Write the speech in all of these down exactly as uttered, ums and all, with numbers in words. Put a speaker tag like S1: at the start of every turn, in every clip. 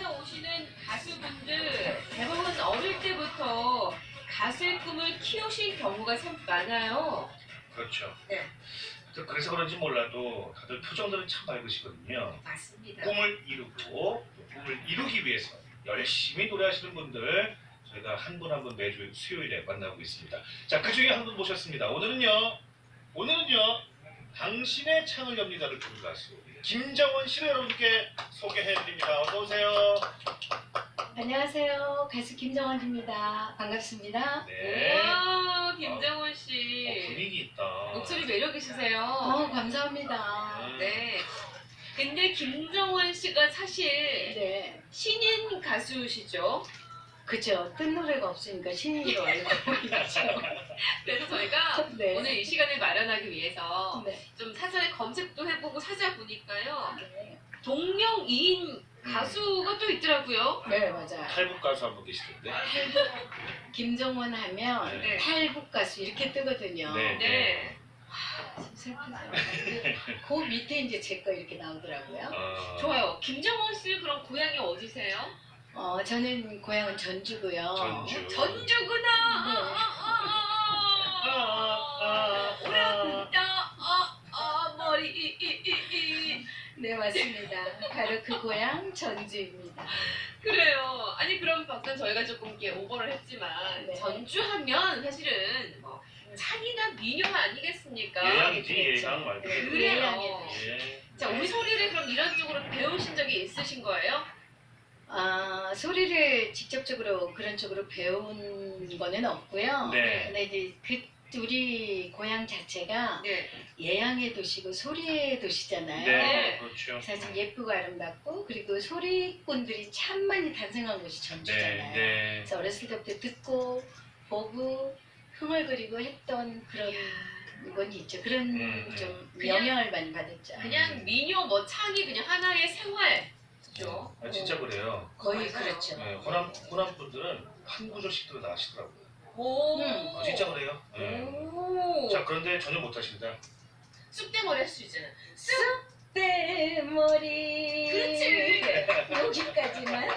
S1: 오시는 가수분들 대부분 어릴 때부터 가수의 꿈을 키우신 경우가 참 많아요.
S2: 그렇죠.
S1: 네.
S2: 또 그래서 그런지 몰라도 다들 표정들은 참 밝으시거든요.
S1: 맞습니다.
S2: 꿈을 이루고 또 꿈을 이루기 위해서 열심히 노래하시는 분들 저희가 한 분 한 분 매주 수요일에 만나고 있습니다. 자, 그 중에 한 분 모셨습니다. 오늘은요, 오늘은요, 당신의 창을 엽니다를 부른 가수 김정원 씨를 여러분께 소개해드립니다. 어서 오세요.
S3: 안녕하세요. 가수 김정원입니다. 반갑습니다.
S2: 네.
S1: 와, 김정원
S2: 어,
S1: 씨.
S2: 분위기 있다.
S1: 목소리 매력 있으세요.
S3: 어, 감사합니다.
S1: 네. 근데 김정원 씨가 사실
S3: 네.
S1: 신인 가수시죠?
S3: 그죠. 뜬 노래가 없으니까 신인으로 알고 있죠.
S1: 그래서 저희가
S3: 네.
S1: 오늘 이 시간을 마련하기 위해서
S3: 네.
S1: 좀 사전에 검색도 해보고 찾아보니까요.
S3: 네.
S1: 동명이인 가수가 또 있더라고요.
S3: 네, 맞아요.
S2: 탈북 가수 한 분 계시던데.
S3: 김정원 하면
S1: 네.
S3: 탈북 가수 이렇게 뜨거든요.
S2: 네.
S1: 네.
S3: 참 슬프죠. 그 밑에 이제 제 거 이렇게 나오더라고요.
S2: 어,
S1: 좋아요. 김정원 씨 그럼 고향이 어디세요?
S3: 어, 저는 고향은 전주고요.
S2: 전주.
S1: 전주구나.
S2: 아, 아, 아.
S1: 오란다. 아, 아, 머리. 이, 이, 이, 이.
S3: 네, 맞습니다. 바로 그 고향 전주입니다.
S1: 그래요. 아니 그럼 방금 저희가 조금 이렇게 오버를 했지만
S3: 네.
S1: 전주하면 사실은 뭐 창이나 민요 아니겠습니까?
S2: 예양이지,
S3: 그렇죠.
S2: 예양 말고.
S3: 네,
S1: 그래요.
S3: 예양이죠.
S2: 예.
S1: 자, 우리 소리를 그럼 이런 쪽으로 배우신 적이 있으신 거예요?
S3: 아, 소리를 직접적으로 그런 쪽으로 배운 거는 없고요.
S2: 네.
S3: 근데 이제 그 우리 고향 자체가
S1: 네.
S3: 예양의 도시고 소리의 도시잖아요.
S2: 네, 그렇죠.
S3: 사실 예쁘고 아름답고 그리고 소리꾼들이 참 많이 탄생한 곳이
S2: 네,
S3: 전주잖아요.
S2: 네.
S3: 그래서 어렸을 때부터 듣고 보고 흥얼거리고 했던 그런 건 있죠. 그런
S2: 음,
S3: 좀
S1: 그냥-
S3: 영향을 많이 받았죠.
S1: 그냥 민요 뭐 창이 그냥 하나의 생활. 그죠?
S2: 아, 진짜 그래요.
S3: 거의
S1: 맞아요.
S3: 그렇죠.
S2: 네, 호남, 호남 분들은 한 구절씩 들어 나가시더라고요.
S1: 오.
S3: 음,
S2: 아, 진짜 그래요. 네.
S1: 오.
S2: 자, 그런데 전혀 못하신다.
S1: 쑥대머리 할 수 있잖아.
S3: 내 머리.
S1: 그렇지.
S3: 여기까지만.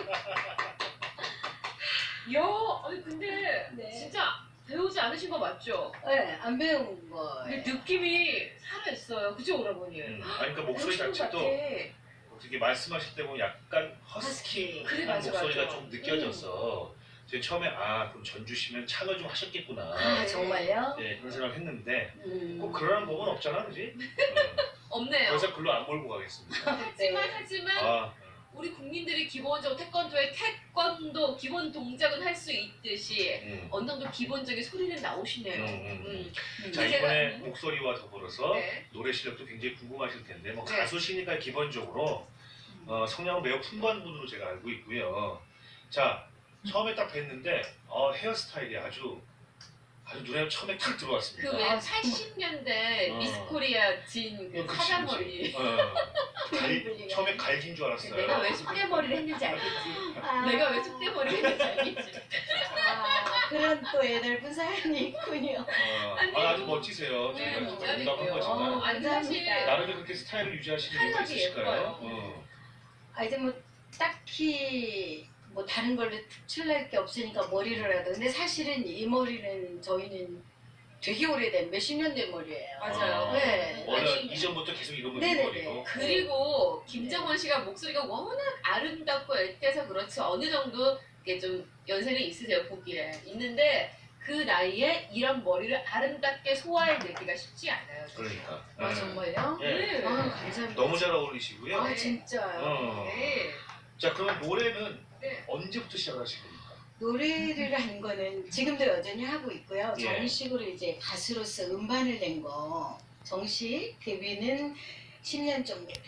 S1: 야, 아니 근데
S3: 네.
S1: 진짜 배우지 않으신 거 맞죠?
S3: 네, 안 배운 거.
S1: 근데 느낌이 살아 있어요. 그죠, 오라버니?
S2: 음, 아니, 그러니까 목소리
S1: 배우신 것
S2: 자체도
S1: 같아.
S2: 어떻게 말씀하실 때 보면 약간 허스키한
S1: 그래, 맞아,
S2: 목소리가
S1: 맞아.
S2: 좀 느껴져서 제가 처음에 아, 그럼 전주시면 창을 좀 하셨겠구나.
S3: 아, 정말요?
S2: 네, 그런 생각을 했는데
S3: 음.
S2: 꼭 그러는 법은 없잖아, 그지? 음,
S1: 없네요.
S2: 그래서 글로 안 몰고 가겠습니다.
S1: 하지만 하지만
S2: 아,
S1: 우리 국민들이 기본적으로 태권도의 태권도 기본 동작은 할 수 있듯이
S2: 음.
S1: 어느 정도 기본적인 소리는 나오시네요.
S2: 음, 음,
S1: 음.
S3: 음.
S2: 자,
S1: 제가-
S2: 이번에 목소리와 더불어서
S1: 네.
S2: 노래 실력도 굉장히 궁금하실 텐데 뭐
S1: 네.
S2: 가수시니까 기본적으로 어, 성량은 매우 풍부한 분으로 제가 알고 있고요. 자, 처음에 딱 뵀는데 어, 헤어스타일이 아주 아주 눈에 처음에 탁 들어왔습니다.
S1: 그 왜
S3: 아,
S1: 팔십 년대
S2: 어.
S1: 미스코리아 진그
S2: 어, 그치,
S1: 사자머리.
S2: 그치. 어, 갈, 처음에 갈긴 줄 알았어요.
S1: 내가 왜 쑥대머리를 했는지 알겠지.
S3: 아,
S1: 내가 왜 쑥대머리를 했는지 알겠지.
S3: 아, 그런 또 애넓은 사연이 있군요.
S2: 어,
S1: 아니,
S2: 아, 아주 멋지세요.
S1: 네,
S2: 제가
S1: 인간이고요.
S2: 농담한
S3: 어,
S2: 거지만
S1: 아니 사실
S3: 감사합니다.
S2: 나름대로 그렇게 스타일을 유지하시는 이유가
S1: 스타일이
S2: 있으실까요?
S1: 예뻐요.
S2: 어.
S3: 아, 이제 뭐 딱히 뭐 다른 걸로 특출날 게 없으니까 머리를 하도. 근데 사실은 이 머리는 저희는 되게 오래된 몇십 년 된 머리예요.
S1: 맞아요.
S2: 어,
S3: 네.
S2: 원래
S1: 아니,
S2: 이전부터 계속 이런
S3: 네네네.
S2: 머리고.
S1: 그리고 김정원 씨가 목소리가 워낙 아름답고 애태서 그렇지 어느 정도 이게 좀 연세는 있으세요 보기에 있는데 그 나이에 이런 머리를 아름답게 소화해내기가 쉽지 않아요.
S2: 그러니까.
S3: 아,
S2: 네.
S3: 정말요?
S2: 예.
S1: 네.
S3: 아, 감사합니다.
S2: 너무 잘 어울리시고요.
S3: 아, 진짜요?
S2: 어.
S1: 네.
S2: 자, 그러면 노래는
S1: 네.
S2: 언제부터 시작하신 겁니까?
S3: 노래를 한 거는 지금도 여전히 하고 있고요.
S2: 예.
S3: 정식으로 이제 가수로서 음반을 낸 거 정식 데뷔는 십 년 정도